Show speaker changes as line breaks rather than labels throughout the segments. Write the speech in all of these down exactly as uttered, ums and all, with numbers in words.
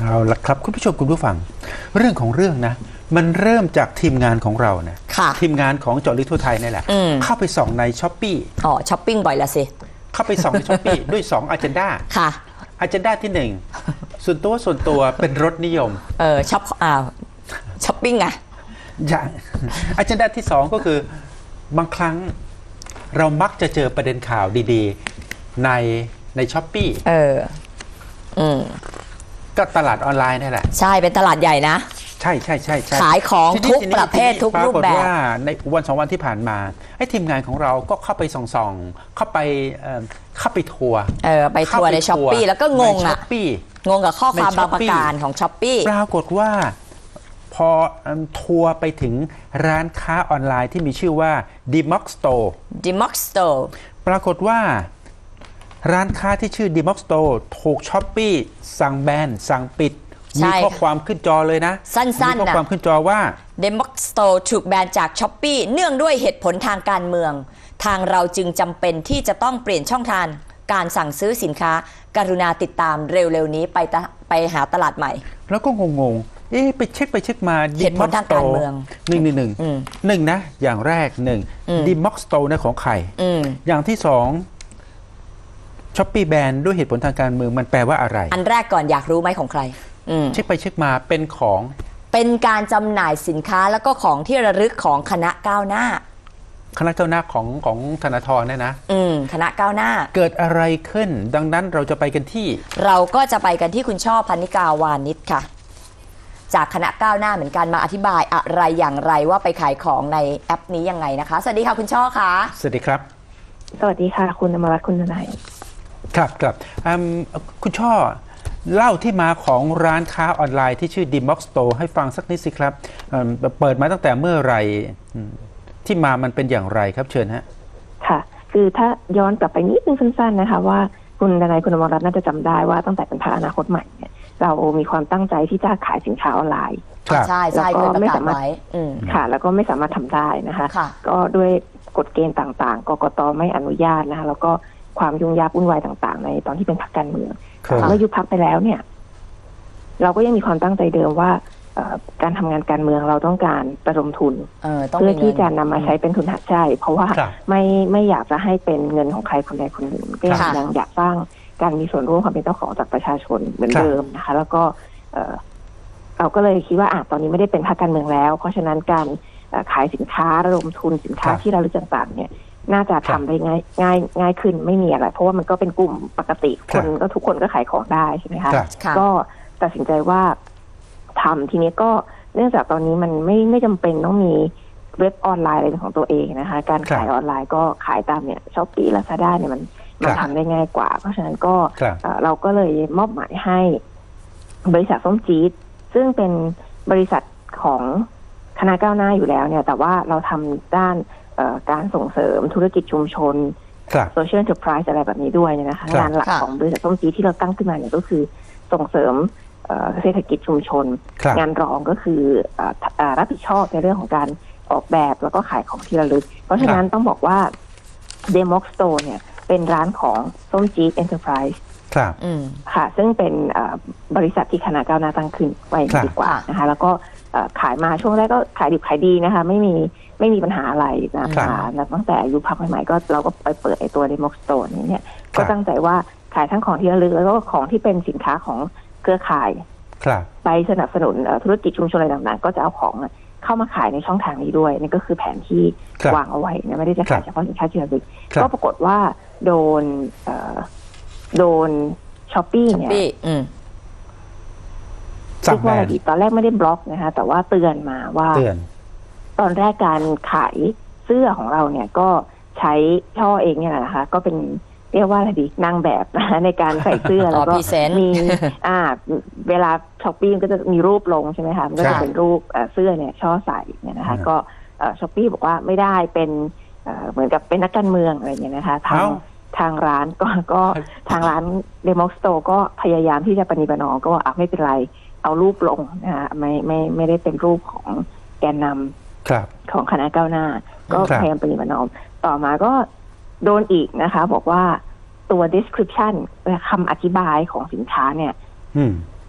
เอาละครับคุณผู้ชมคุณผู้ฟังเรื่องของเรื่องนะมันเริ่มจากทีมงานของเรานะทีมงานของเจาะลึกทั่วไทยนี่แหละเข้าไปส่องในช้อปปี้
อ๋อช้อปปิ้งบ่อยละสิ
เข้าไปส่องในช้อปปี้ด้วยสองอ เจนดา
ค่ะ
อ เจนดาที่หนึ่งส่วนตัวส่วนตัวเป็นรสนิยม
เออช้อปอ่าช้อปปิ้งไง
อย่างอ เจนดาที่สองก็คือบางครั้งเรามักจะเจอประเด็นข่าวดีๆในในช้อปปี้
เอออืม
ก็ตลาดออนไลน์นี่แหละ
ใช่เป็นตลาดใหญ่นะ
ใช่ใช่ใช่ใช่
ขายของทุกประเภททุกรูปแบบปรากฏ
ว่าในวันสองวันที่ผ่านมาไอ้ทีมงานของเราก็เข้าไปส่องๆเข้าไปเข้าไปทัวร์
เออไปทัวร์ในช้อปปี้แล้วก็งงอ่ะงงกับข้อความบางประการของช้อปปี้
ปรากฏว่าพอทัวร์ไปถึงร้านค้าออนไลน์ที่มีชื่อว่า Dmox Store
Dmox Store
ปรากฏว่าร้านค้าที่ชื่อ Dmox Store ถูกช้อปปี้สั่งแบนสั่งปิดมีข้อความขึ้นจอเลยนะ
สั้นๆนะ
มีข้อความขึ้นจอว่า
Dmox Store ถูกแบนจากช้อปปี้เนื่องด้วยเหตุผลทางการเมืองทางเราจึงจำเป็นที่จะต้องเปลี่ยนช่องทางการสั่งซื้อสินค้ากรุณาติดตามเร็วๆนี้ไปไปหาตลาดใหม่
แล้วก็งงๆเอ๊ะไปเช็คไปเช็คมา
เหตุผลทางการเมือง
หนึ่งหนึ่งหนึ่งหนึ่งนะอย่างแรกหนึ่ง Dmox Store นะของใครอย่างที่สองช้อปปี้แบนด้วยเหตุผลทางการเมืองมันแปลว่าอะไร
อันแรกก่อนอยากรู้ไหมของใคร
เช็คไปเช็คมาเป็นของ
เป็นการจำหน่ายสินค้าแล้วก็ของที่ระลึกของคณะก้าวหน้า
คณะก้าวหน้าของของธนาธรเนี่ยนะ
อืมคณะก้าวหน้า
เกิดอะไรขึ้นดังนั้นเราจะไปกันที่
เราก็จะไปกันที่คุณช่อพนิกาวานิชค่ะจากคณะก้าวหน้าเหมือนกันมาอธิบายอะไรอย่างไรว่าไปขายของในแอปนี้ยังไงนะคะสวัสดีค่ะคุณช่อค่ะ
สวัสดีครับ
สวัสดีค่ะคุณอมรรัตน์คุณทนาย
ครับครับคุณช่อเล่าที่มาของร้านค้าออนไลน์ที่ชื่อ Dmox Store ให้ฟังสักนิดสิครับเปิดมาตั้งแต่เมื่อไหร่ที่มามันเป็นอย่างไรครับเชิญฮะ
ค่ะคือถ้าย้อนกลับไปนิดนึงสั้นๆนะคะว่าคุณทนายคุณอมรรัตน์น่าจะจำได้ว่าตั้งแต่เป็นพรรคอนาคตใหม่เนี่ยเรามีความตั้งใจที่จะขายสินค้าออนไลน์
ใช่ใช่เคยประกาศไว้
ค่ะแล้วก็ไม่สามารถทำได้นะคะก็ด้วยกฎเกณฑ์ต่างๆกกต.ไม่อนุญาตนะคะแล้วก็ความยุ่งยากวุ่นวายต่างๆในตอนที่เป็นพรรคการเมืองเมื่อยุบพรรคไปแล้วเนี่ยเราก็ยังมีความตั้งใจเดิมว่าการทำงานการเมืองเราต้องการระดมทุนเพื่อที่จะนำมาใช้เป็นทุนหักใจเพราะว่าไม่ไม่อยากจะให้เป็นเงินของใครคนใดคนหนึ่งก็ยังอยากสร้างการมีส่วนร่วมความเป็นเจ้าของจากประชาชนเหมือนเดิมนะคะแล้วก็เราก็เลยคิดว่าอ่ะตอนนี้ไม่ได้เป็นพรรคการเมืองแล้วเพราะฉะนั้นการขายสินค้าระดมทุนสินค้าที่ระลึกต่างๆเนี่ยน่าจะทำได้ง่ายง่ายง่ายขึ้นไม่มีอะไรเพราะว่ามันก็เป็นกลุ่มปกติคนก็ทุกคนก็ขายของได้ใช่ไหมคะก็ตัดสินใจว่าทำทีนี้ก็เนื่องจากตอนนี้มันไม่ไม่จำเป็นต้องมีเว็บออนไลน์อะไรของตัวเองนะคะการขายออนไลน์ก็ขายตามเนี่ยช้อปปี้ลาซาด้าเนี่ยมันมันทำได้ง่ายกว่าเพราะฉะนั้นก็เราก็เลยมอบหมายให้บริษัทส้มจี๊ดซึ่งเป็นบริษัทของคณะก้าวหน้าอยู่แล้วเนี่ยแต่ว่าเราทำด้านการส่งเสริมธุรกิจชุมชนโซเชียลเอ็นเตอร์ไพรส์อะไรแบบนี้ด้วยนะคะงานหลักของบริษัทส้มจี๊ดที่เราตั้งขึ้นมาเนี่ยก็คือส่งเสริมเศรษฐกิจชุมชนงานรองก็คือรับผิดชอบในเรื่องของการออกแบบแล้วก็ขายของที่ระลึกเพราะฉะนั้นต้องบอกว่า Dmox Store เนี่ยเป็นร้านของส้มจี๊ดเอ็นเตอร์ไพรส์ค่ะซึ่งเป็นบริษัทที่คณะก้าวหน้าตั้งขึ้นไว้ดีกว่านะคะแล้วก็ขายมาช่วงแรกก็ขายดิบขายดีนะคะไม่มีไม่มีปัญหาอะไรนะคะตั้งแต่อายุพักใหม่ๆก็เราก็ไปเปิดไอตัว Dmox Store นี้เนี่ยก็ตั้งใจว่าขายทั้งของที่ระลึกแล้วก็ของที่เป็นสินค้าของเครือข่ายไปสนับสนุนธุรกิจชุมชนอะไรต่างๆก็จะเอาของเข้ามาขายในช่องทางนี้ด้วยนี่ก็คือแผนที่วางเอาไว้นะไม่ได้จะขายเฉพาะสินค้าที่ระลึกก็ปรากฏว่าโดนโดนช้อปปี้เนี่ยเรียกว่าอะไรดีตอนแรกไม่ได้บล็อกนะคะแต่ว่าเตือนมาว่าตอนแรกการขายเสื้อของเราเนี่ยก็ใช้ช่อเองเนี่ยนะคะก็เป็นเรียกว่าอะไรดีนางแบบนะในการใส่เสื้อแล้วก็มีอ่าเวลาช้อปปี้ก็จะมีรูปลงใช่ไหมคะมันก็จะเป็นรูปเสื้อเนี่ยช่อใส่เนี่ยนะคะก็ช้อปปี้บอกว่าไม่ได้เป็นเหมือนกับเป็นนักการเมืองอะไรอย่างเงี้ยนะคะทางทางร้านก็ก็ทางร้าน Dmox Store ก็พยายามที่จะปฏิบัตินอก็อ่ะไม่เป็นไรเอารูปลงนะคะไม่ไม่ไม่ได้เป็นรูปของแกนนำของคณะก้าวหน้าก็พยายามปฏิบัตินอต่อมาก็โดนอีกนะคะบอกว่าตัว description คำอธิบายของสินค้าเนี่ย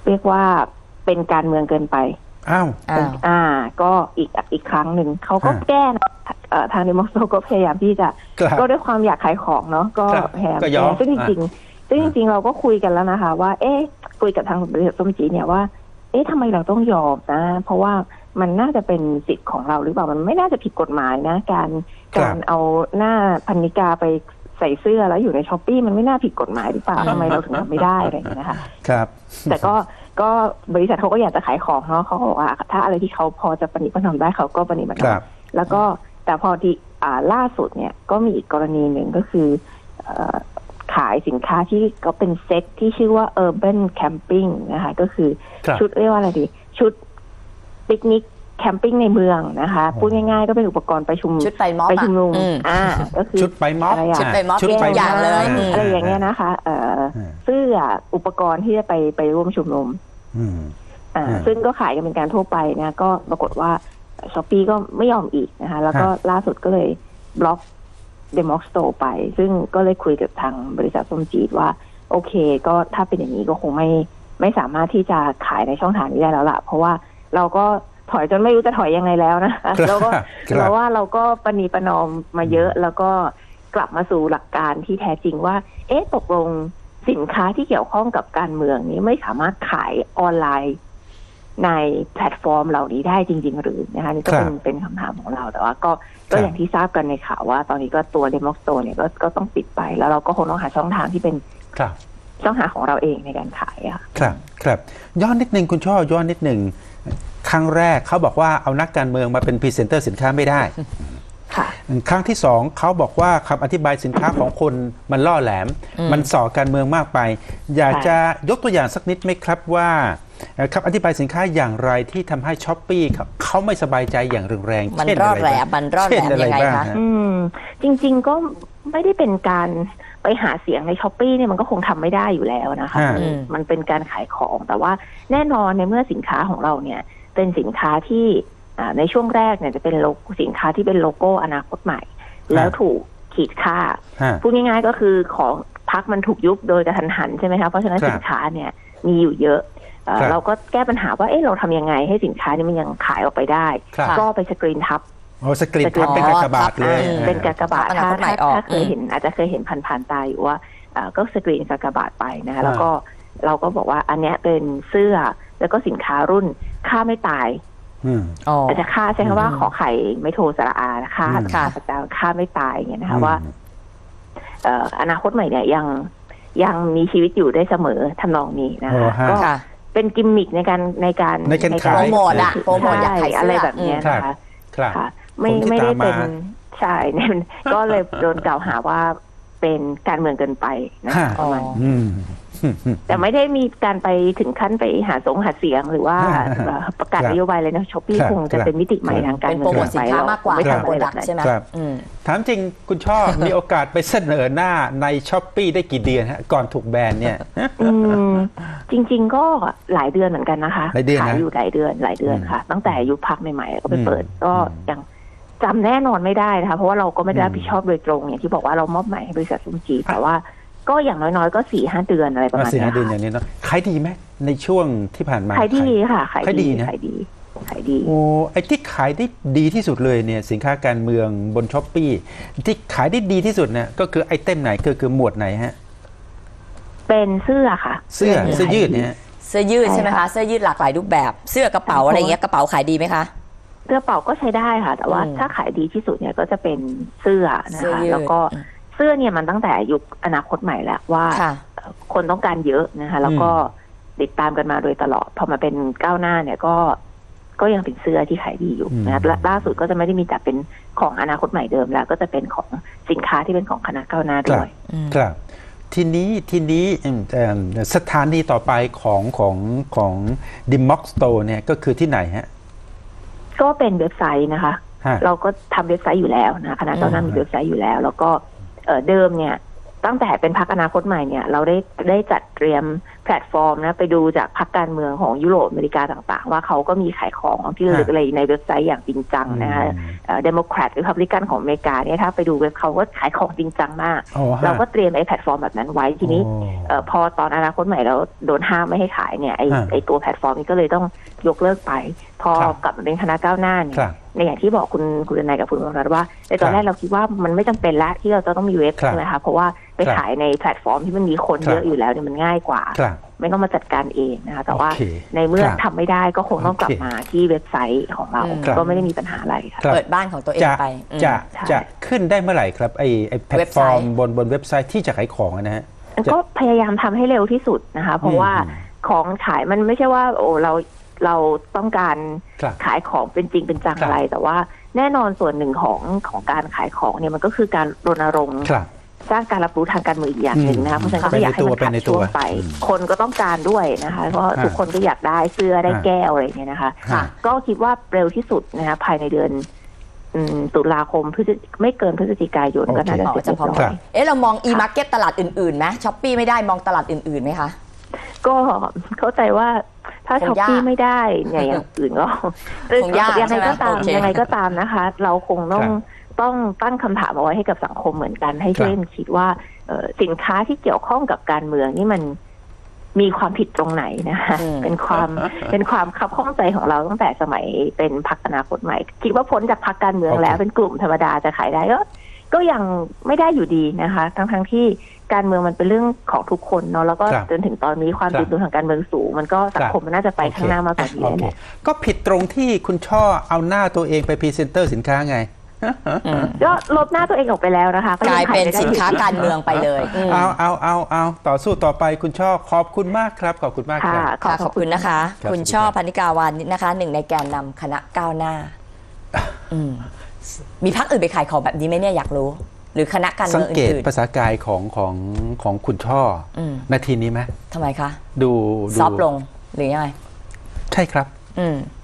เรียกว่าเป็นการเมืองเกินไป
อ้าว
อ้าว
อ่า ก็อีกอีกครั้งหนึ่งเขาก็
ฮะ
แก้นะเอ่อทางเดโมสโตก็พยายามที่จะ
ครับ
ก็ด้วยความอยากขายของเนาะก็
ครับ
พยายาม
ก็ยอม
แก้ซึ่งจริงๆซึ่งจริงๆเราก็คุยกันแล้วนะคะ ว่า เอ๊ะคุยกับทางบริษัทส้มจีเนี่ยว่า เอ๊ะทำไมเราต้องยอมนะ เพราะว่ามันน่าจะเป็นสิทธิ์ของเราหรือเปล่ามันไม่น่าจะผิดกฎหมายนะ การ
ครับ
การเอาหน้าพันนิกาไปใส่เสื้อแล้วอยู่ในช้อปปี้มันไม่น่าผิดกฎหมายหรือเปล่าทำไมเราถึงทำไม่ได้อะไรอย่างเงี้ยนะคะ
ครับ
แต่ก็ก็บริษัทเขาก็อยากจะขายของเนาะเขาก็บอกว่าถ้าอะไรที่เขาพอจะประนิประนอมได้เขาก็ประนิประน
ค
อ
รั
ม
บ
แล้วก็แต่พอที่อ่าล่าสุดเนี่ยก็มีอีกกรณีหนึ่งก็คือเอ่อขายสินค้าที่ก็เป็นเซ็ตที่ชื่อว่า Urban Camping นะคะก็คือ
ครับ
ชุดเรียกว่าอะไรดี ชุดปิกนิกแคมปิ้งในเมืองนะคะ
อ๋อ
พูดง่ายๆก็เป็นอุปกรณ์ไปชุม
ชุดไปม็อบ
ไป
อะ
ชุมนุม
อืม
อ่าก็คือ
ชุดไปม็อบ
อะไรอะ
ชุดไปม็อบ
ชุดไป
ทุกอย่างเลย
ม็บ
อะไรอย่างเงี้ยนะคะเอ่อ
อืม
เสื้ออุปกรณ์ที่จะไปไปร่วมชุมนุม
อืม
อ่า
อืม
ซึ่งก็ขายกันเป็นการทั่วไปนะก็ปรากฏว่าช้อปปี้ก็ไม่ยอมอีกนะคะแล้วก็
ฮะ
ล่าสุดก็เลยบล็อกเดมอกสโตร์ไป ซึ่งก็เลยคุยกับทางบริษัทส้มจีดว่าโอเคก็ถ้าเป็นอย่างนี้ก็คงไม่ไม่สามารถที่จะขายในช่องทางนี้ได้แล้วล่ะเพราะว่าเราก็ถอยจนไม่รู้จะถอยยังไงแล้วนะคะแล้วก็
ครับ
เราว่าเราก็ประนีประนอมมาเยอะแล้วก็กลับมาสู่หลักการที่แท้จริงว่า เอ๊ะตกลงสินค้าที่เกี่ยวข้องกับการเมืองนี้ไม่สามารถขายออนไลน์ในแพลตฟอร์มเหล่านี้ได้จริง ๆ หรือนะคะนี่ก็เป็น
ครับ
เป็นคำถามของเราแต่ว่าก็ก็
ครับ
อย่างที่ทราบกันในข่าวว่าตอนนี้ก็ตัวเดโมสโตเนี่ยก็ก็ต้องปิดไป แล้วเราก็คงต้องหาช่องทางที่เป็น
ครับ
ช่องทางของเราเองในการขายอะค่ะ
ครับครับย้อนนิดนึงคุณช่อย้อนนิดนึงครั้งแรกเขาบอกว่าเอานักการเมืองมาเป็นพรีเซนเตอร์สินค้าไม่ได้
ค่ะ
ครั้งที่สองเขาบอกว่าคำอธิบายสินค้าของคนมันล่อแหลม
อืม
มันส่อการเมืองมากไป อยาก
ค่ะ
จะยกตัวอย่างสักนิดไหมครับว่าเอ่อคำอธิบายสินค้าอย่างไรที่ทำให้ช้อปปี้เขาไม่สบายใจอย่างรุนแรง
มัน
เช่น
รอ
อะ
ด
ไร
แหล
บ้าม
มันรอดแหล
เช่น
ม
อะไร
ยังไง
บ้าง
คะ
ฮะ
อืมจริง ๆก็ไม่ได้เป็นการไปหาเสียงในช้อปปี้เนี่ยมันก็คงทำไม่ได้อยู่แล้วนะคะ
ฮะ
มันมันเป็นการขายของแต่ว่าแน่นอนในเมื่อสินค้าของเราเนี่ยเป็นสินค้าที่อ่าในช่วงแรกเนี่ยจะเป็นโลโก้สินค้าที่เป็นโลโก้อนาคตใหม่ แล้วถูกขีดค่า
ฮะ
พูดง่ายๆก็คือของพักมันถูกยุบโดยกระทันหันใช่ไหมคะเพราะฉะนั้น
ครับ
สินค้าเนี่ยมีอยู่เยอะเอ่อ
ครับ
เราก็แก้ปัญหาว่าเอ๊ะเราทำยังไงให้สินค้านี้มันยังขายออกไปได้
ครับ
ก็ไปสกรีนทับ
โอ้สกรีนทับเป็นกากบาทเลย
อืม
เป็นกากบาท
อนา
ถ้า
คตใหม่
ถ้า
ออก
ถ้าเคยเห็นอาจจะเคยเห็นผ่านๆตาอยู่ว่าเอ่อก็สกรีนกากบาทไปนะคะแล้วก็เราก็บอกว่าอันเนี้ยเป็นเสื้อแล้วก็สินค้ารุ่นค่าไม่ตาย
อืม
อ๋อ
อาจจะค่าใช้คำว่า
อืม
ขอไข่ไม่โทรสระอาค่า
อืม
ค่าพระเจ้าค่าไม่ตายอย่างเงี้ยนะคะว่าเอ่ออนาคตใหม่เนี่ยยังยังมีชีวิตอยู่ได้เสมอทำนองนี้นะ
โอ้
คะ
ฮะ
ก็
ค่ะ
เป็นกิมมิคในการในการ
ในการขาย
โปรโมทอะโปรโมทอยากขายเสื้ออ
อะไรแบบเนี้ย
ครับ
นะคะ
ครับ
ค่ะ ไม่
คนที่
ไม่ได้
ตามมา
เป็นใช่เนี่ย ก็เลยโดนกล่าวหาว่าเป็นการเมืองเกินไปนะ
ฮะ
ประมาณ
อืม
แต่ไม่ได้มีการไปถึงขั้นไปหาสงหาเสียงหรือว่า
ฮะ
ประกาศ
ครับ
นโยบายเลยนะช้อปปี้
ครับ
คงจะเป็นมิติใหม่ทางการ
เป็น
เมื
โปร
อง
โมทสินค้ามากกว่า
ไม่
ทาง
ทำ
โปร
อะไรแบ
ดั
บ
ก
นั้น
ใช่ไหม
ครับ
อืม
ถามจริงคุณช่อ มีโอกาสไปเสนอหน้าในช้อปปีได้กี่เดือนฮะก่อนถูกแบนเนี่ย
อืมจริง ๆ ก็หลายเดือนเหมือนกันนะคะ
หลายเดือนนะ
ขายอยู่หลายเดือนหลายเดือน
อืม
ค่ะ ตั้งแต่ยุคพักใหม่ๆก็ไปเปิด
อืม
ก็
อืม
ยังจำแน่นอนไม่ได้นะคะเพราะว่าเราก็ไม่ได้รับ
อืม
ผิดชอบโดยตรงอย่างที่บอกว่าเรามอบหมายให้บริษัทซุมจีแต่ว่าก็อย่างน้อยๆก็สี่ห้าเดือนอะไรประมาณ
สี่
เนี้
ห้าย เดือนอ
ค่ะ
ย่างนี้เนาะขายดีไหมในช่วงที่ผ่านมา
ขายดีค่ะขาย
ขายดี
ดี
นะ
ขายดีขายดี
โอ้ไอ้ที่ขายได้ดีที่สุดเลยเนี่ยสินค้าการเมืองบนช้อปปีที่ขายได้ดีที่สุดเนี่ยก็คือไอเทมไหนก็คือหมวดไหนฮะ
เป็นเสื้อค่ะ
เสื้อเสื้อยืดเนี่ยฮะ
เสื้อยืดใช่ไหมคะเสื้อยืดหลากหลายรูปแบบ เสื้อกระเป๋าอะไรเงี้ยกระเป๋าขายดีไหมคะ
กระเป๋าก็ใช้ได้ค่ะ แต่ว่า
อืม
ถ้าขายดีที่สุดเนี่ยก็จะเป็นเสื้อนะ
เสื้อ
คะ
ยืด
แล้วก็เสื้อเนี่ยมันตั้งแต่ยุคอนาคตใหม่แล้วว่า
ค่ะ
คนต้องการเยอะนะคะแล้วก็ติดตามกันมาโดยตลอดพอมาเป็นก้าวหน้าเนี่ยก็ก็ยังเป็นเสื้อที่ขายดีอยู่นะครับและล่าสุดก็จะไม่ได้มีแต่เป็นของอนาคตใหม่เดิมแล้ว ก็จะเป็นของสินค้าที่เป็นของคณะก้าวหน้าด้วย
ครับทีนี้ทีนี้อืมเอิ่มสถานีต่อไปของของของดิมม็อกสโตร์เนี่ยก็คือที่ไหนฮะ
ก็เป็นเว็บไซต์นะคะ
ฮะ
เราก็ทำเว็บไซต์อยู่แล้วนะคณะก้าวหน้ามีเว็บไซต์อยู่แล้ว แล้วก็เอ่อเดิมเนี่ยตั้งแต่เป็นพรรคอนาคตใหม่เนี่ยเราได้ได้จัดเตรียมแพลตฟอร์มนะไปดูจากพรรคการเมืองของยุโรปอเมริกาต่างๆว่าเขาก็มีขายของที่ระลึกอะไรในเว็บไซต์อย่างจริงจังนะคะเดโมแครตหรือพับลิกันของอเมริกาเนี่ยถ้าไปดูเว็บเขาก็ขายของจริงจังมากเราก็เตรียมไอ้แพลตฟอร์มแบบนั้นไว้ทีนี้พอตอนอนาคตใหม่เราโดนห้ามไม่ให้ขายเนี่ยไอ้ไอ้ตัวแพลตฟอร์มนี้ก็เลยต้องยกเลิกไปพอกลับมาเป็นคณะก้าวหน้าเนี่ยในอย่างที่บอกคุณคุณนายกับคุณวรรัตน์ว่าในตอนแรกเราคิดว่ามันไม่จำเป็นละที่เราจะต้องมีเว็บใช่ไหมคะเพราะว่าไปขายในแพลตฟอร์มที่มันมีคนเยอะอยู่แล้วเนี่ยมันง่ายกว่าไม่ต้องมาจัดการเองนะคะแต่ว่าในเมื่อทำไม่ได้ก็คงต้องกลับมาที่เว็บไซต์ของเราก็ไม่ได้มีปัญหาอะไรค่ะ
เปิดบ้านของตัวเองไป
จะจะขึ้นได้เมื่อไหร่ครับไอ้ไอ้แพลตฟอร์มบนบนเว็บไซต์ที่จะขายของนะฮะ
ก็พยายามทำให้เร็วที่สุดนะคะเพราะว่าของขายมันไม่ใช่ว่าโอ้เราเราต้องการขายของเป็นจริงเป็นจังอะไรแต่ว่าแน่นอนส่วนหนึ่งของของการขายของเนี่ยมันก็คือการรณรงค์สร้างการรับรู้ทางการเมืองอีกอย่างหนึ่งนะคะเพราะฉะนั้นก็ไม่อยากให้มันขาดช่วงไปคนก็ต้องการด้วยนะคะเพราะทุกคนก็อยากได้เสื้อได้แก้วอะไรอย่างเงี้ยนะคะก็คิดว่าเร็วที่สุดนะคะภายในเดือนตุลาคมพฤศจิไม่เกินพฤศจิกายนก็น่าจะเสร็จเรียบร้อย
เอ๊ะเรามอง e-market ตลาดอื่นๆไหมช้อปปี้ไม่ได้มองตลาดอื่นๆไหมคะ
ก็เข้าใจว่าถ้าช้อปปี้ไม่ได้เนี่ยอย่างอื่นก็ยังไงก็ตามยังไงก็ตามนะคะเราคงต้องต้องตั้งคำถามเอาไว้ให้กับสังคมเหมือนกันให้ช่วยคิดว่าสินค้าที่เกี่ยวข้องกับการเมืองนี่มันมีความผิดตรงไหนนะคะเป็นความเป็นความคับข้องใจของเราตั้งแต่สมัยเป็นพรรคอนาคตใหม่คิดว่าพ้นจากพรรคการเมืองแล้วเป็นกลุ่มธรรมดาจะขายได้ก็ก็ยังไม่ได้อยู่ดีนะคะทั้งทั้งที่การเมืองมันเป็นเรื่องของทุกคนเนาะแล้วก็จนถึงตอนนี้ความตื่นตัวทางการเมืองสูงมันก็สังคมมันน่าจะไปข้างหน้ามากกว่านี้แหละ
ก็ผิดตรงที่คุณช่อเอาหน้าตัวเองไปพรีเซนเตอร์สินค้าไง
ก็ลบหน้าตัวเองออกไปแล้วนะคะ
กลายเป็นสินค้าการเมืองไปเลย
เอาเอาเอาเอาต่อสู้ต่อไปคุณช่อขอบคุณมากครับขอบคุณมากครับ
ขอบคุณนะคะคุณช่อพนิกาวานิชนะคะหนึ่งในแกนนำคณะก้าวหน้ามีพรรคอื่นไปขายของแบบนี้ไหมเนี่ยอยากรู้หรือคณะการเมืองอื่น
สังเกตภาษากายของของของคุณช่อนาทีนี้ไหม
ทำไมคะ
ดู
ซอฟลงหรือยังไง
ใช่ครับ
อืม